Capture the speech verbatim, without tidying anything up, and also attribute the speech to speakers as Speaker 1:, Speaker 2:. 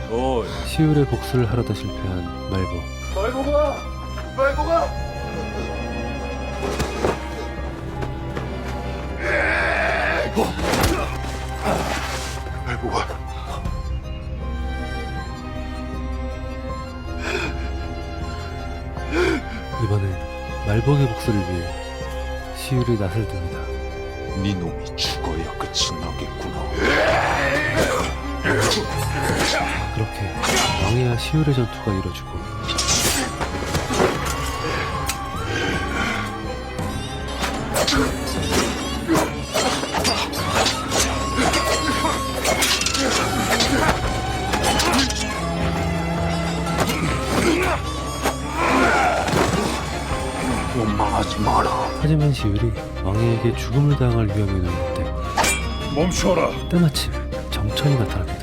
Speaker 1: 어이.
Speaker 2: 시울의 복수를 하려다 실패한 말보.
Speaker 1: 말보가! 말보가!
Speaker 3: 말보가
Speaker 2: 이번엔 말복의 복수를 위해 시울이 낯을 듭니다.
Speaker 3: 네 놈이 죽어야 끝이 나겠구나.
Speaker 2: 그렇게 왕이와 시울의 전투가 이뤄지고
Speaker 3: 원망하지 마라.
Speaker 2: 하지만 시울이 왕에게 죽음을 당할 위험에 놓일 때
Speaker 1: 멈춰라!
Speaker 2: 때마침 정천이 나타납니다.